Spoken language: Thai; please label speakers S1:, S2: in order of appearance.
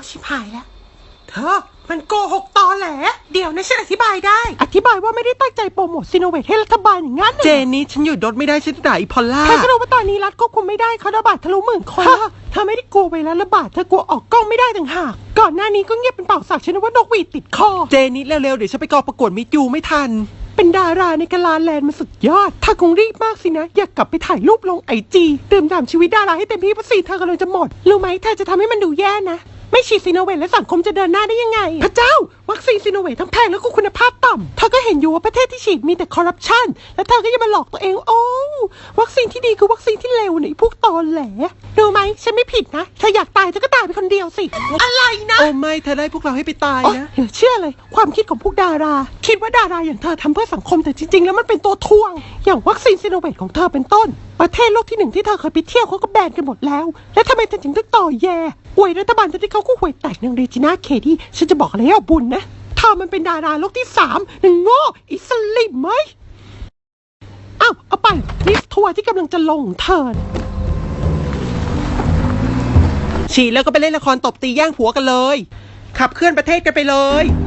S1: ชิบหายแล้วเธอมันโกหกตอแหลเดี๋ยวนะฉันอธิบายได้อธิบายว่าไม่ได้ตั้งใจโปรโมทซีโนเวทให้รัฐบาลอย่างนั้นเจนนี่ฉันหยุดรถไม่ได้ฉันด่าอีพอลล่าเธอก็รู้ว่าตอนนี้รัฐควบคุมไม่ได้เขาระบาดทะลุ10,000 คนเธอไม่ได้กลัวไวรัสระบาดเธอกลัวออกกล้องไม่ได้ต่างหากก่อนหน้านี้ก็เงียบเป็นเป่าสักฉันนึกว่านกหวีดติดคอเจนนี่เร็วๆเดี๋ยวฉันไปกองประกวดมิสยูไม่ทันเป็นดาราในกาลาแลนด์มันสุดยอดถ้าคงรีบมากสินะอยากกลับไปถ่ายรูปลงIGดื่มด่ำชีวิตดาราให้เต็มที่เพราะเธอกำลังจะหมดรู้ไหมเธอจะทำให้มันดูแย่นะไม่ฉีดซีโนเวทและสังคมจะเดินหน้าได้ยังไงพระเจ้าวัคซีนซีโนเวททั้งแพงแล้วก็คุณภาพต่ำเธอก็เห็นอยู่ว่าประเทศที่ฉีดมีแต่คอร์รัปชันและเธอก็ยังมาหลอกตัวเองโอ้วัคซีนที่ดีคือวัคซีนที่เลวเนี่ยพวกตอแหลรู้ไหมฉันไม่ผิดนะเธออยากตายเธอก็ตายไปคนเดียวสิอะไรนะโอ้ไม่เธอได้พวกเราให้ไปตายนะเดี๋ยวเชื่อเลยความคิดของพวกดาราคิดว่าดาราอย่างเธอทำเพื่อสังคมแต่จริงๆแล้วมันเป็นตัวทวงอย่างวัคซีนซีโนเวทของเธอเป็นต้นประเทศโลกที่1ที่เธอเคยไปเที่ยวเขาก็แบนกันหมดแล้วแล้วทำไมเธอถึงต้องต่อแย่อวยรัฐบาลที่เขาก็ห่วยแตกนางเรจิน่าเคดี้ฉันจะบอกอะไรให้เอาบุญนะเธอมันเป็นดาราโลกที่3นางโง่อิสลิมไหมเอาไปลิสทัวร์ที่กำลังจะลงเธอฉีดแล้วก็ไปเล่นละครตบตีแย่งผัวกันเลยขับเคลื่อนประเทศกันไปเลย